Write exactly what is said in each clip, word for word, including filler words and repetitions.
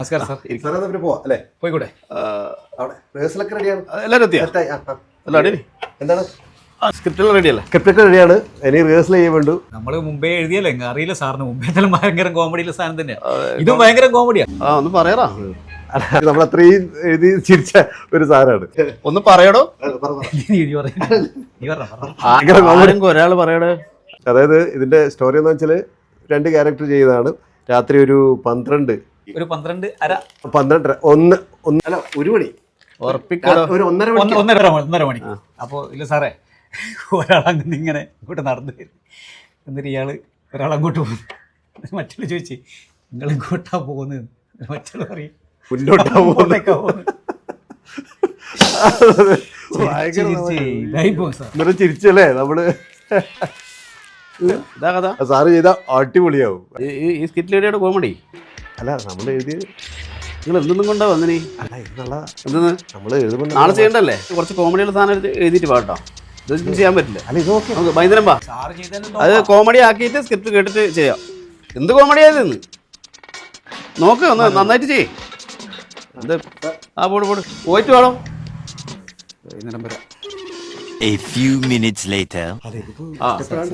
നമസ്കാരം sir. Sir എന്നാ പിന്നെ പോവാം അല്ലേ? പോയിക്കൂടെ? അവിടെ റിഹേഴ്സലൊക്കെ റെഡിയാണ്. എല്ലാവരും എത്തിയാ? എന്താണ് സ്ക്രിപ്റ്റെല്ലാം റെഡിയല്ലേ? സ്ക്രിപ്റ്റൊക്കെ റെഡിയാണ്. ഇനി റിഹേഴ്സൽ ചെയ്യാൻ വേണ്ടു. നമ്മള് മുമ്പേ എഴുതിയല്ലേ, അറിയില്ല സാറിന്. മുമ്പേ എന്തായാലും ഭയങ്കര കോമഡിയുള്ള സാധനം തന്നെയാണ്. ഇതും ഭയങ്കര കോമഡിയാ. ആ ഒന്ന് പറയാറാ. നമ്മൾ അത്രയും എഴുതി ചിരിച്ച ഒരു സാധനമാണ്. ഒന്ന് പറയടോ. ആരെങ്കിലും ഒരാൾ പറയടേ. അതായത് ഇതിന്റെ സ്റ്റോറി എന്ന് വെച്ചാല് രണ്ട് ക്യാരക്ടർ ചെയ്തതാണ്. രാത്രി ഒരു പന്ത്രണ്ട് ഒരു പന്ത്രണ്ട് അര പന്ത്രണ്ടര ഒന്ന് ഒന്നര ഒരു മണി ഉറപ്പിക്കടോ. ഒരു ഒന്നര മണി ഒന്നര ഒന്നര മണി. അപ്പൊ ഇല്ല സാറേ, ഒരാളങ്ങനെ ഇങ്ങനെ ഇങ്ങോട്ട് നടന്നു വരും. എന്നിട്ട് ഇയാള് ഒരാളങ്ങോട്ട് പോകുന്നു. മറ്റുള്ള ചോദിച്ചു നിങ്ങൾ ഇങ്ങോട്ടാ പോകുന്നത്. മറ്റുള്ള പറയും മുന്നോട്ടാ പോകുന്നേക്കാ പോകുന്നത്. ചിരിച്ചല്ലേ നമ്മള്. ഇതാ കഥ. സാറ് ചെയ്ത അടിപൊളിയാവും. ഈ സ്കിറ്റിലേഡിയുടെ കോമഡി അല്ല നമ്മൾ എഴുതി. നിങ്ങൾ എന്തൊന്നും കൊണ്ടാ വന്നിനി? അല്ല എന്നുള്ള എന്തെന്ന് നമ്മള് എഴുതുമ്പോൾ നാളെ ചെയ്യണ്ടല്ലേ? കുറച്ച് കോമഡിയുള്ള സാധനം എടുത്ത് എഴുതിയിട്ട് പാട്ടോ. ഇതൊന്നും ചെയ്യാൻ പറ്റില്ല. അല്ല ഇത് ഓക്കെ. നമുക്ക് വൈകുന്നേരം പാ. അത് കോമഡി ആക്കിയിട്ട് സ്ക്രിപ്റ്റ് കേട്ടിട്ട് ചെയ്യാം. എന്ത് കോമഡിയായതെന്ന് നോക്ക്. ഒന്ന് നന്നായിട്ട് ചെയ്യേ. എന്ത് ആ പോട് പോട് പോയിട്ട് വേണോ? വൈകുന്നേരം വരാം. A few minutes later. ആ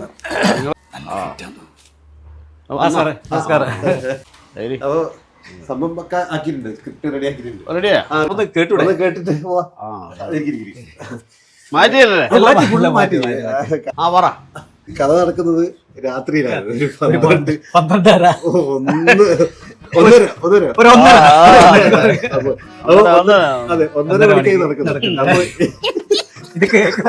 നമസ്കാരം. അപ്പൊ സംഭവം ഒക്കെ ആക്കിയിട്ടുണ്ട്. സ്ക്രിപ്റ്റ് റെഡി ആക്കിയിട്ടുണ്ട്. റെഡിയാ? ഒന്ന് കേട്ടൂടെ? ഒന്ന് കേട്ടിട്ട് പോവാ. ആ ഇരിക്ക്, ഇരിക്ക്, ഇരിക്ക്. മാറ്റിയല്ലേ? മാറ്റി. ആ പറ. കഥ നടക്കുന്നത് രാത്രിയിലാണ്. ഒരു പന്ത്രണ്ട് പന്ത്രണ്ടര ഒന്ന് ഒന്നര ഒന്നര ഒരു ഒന്നര അപ്പൊ അതെ ഒന്നര മണിക്കായി നടക്കുന്നത്. അപ്പൊ ഇത്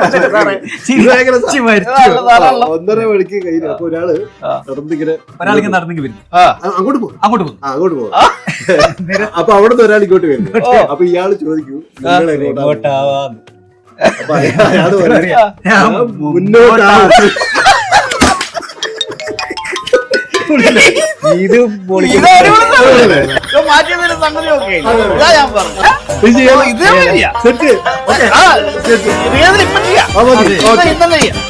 ഒന്നര മണിക്ക് കഴിഞ്ഞു. അപ്പൊ ഒരാള് നടന്നിങ്ങനെ ഒരാളിങ്ങനെ നടന്നെങ്കിൽ വരും. അങ്ങോട്ട് പോകും അങ്ങോട്ട് പോകും. അങ്ങോട്ട് പോകും. അപ്പൊ അവിടുന്ന് ഒരാൾ ഇങ്ങോട്ട് വരും. അപ്പൊ ഇയാള് ചോദിക്കും നിങ്ങൾ എങ്ങോട്ടാ? അപ്പൊ അയാള് പറയാ മുന്നോട്ടാ. ഇത് മാറ്റിയതിന് സംഗതി ഓക്കെ. ഇതാ ഞാൻ പറഞ്ഞു. സെറ്റ് ഇന്നലെ ചെയ്യാം.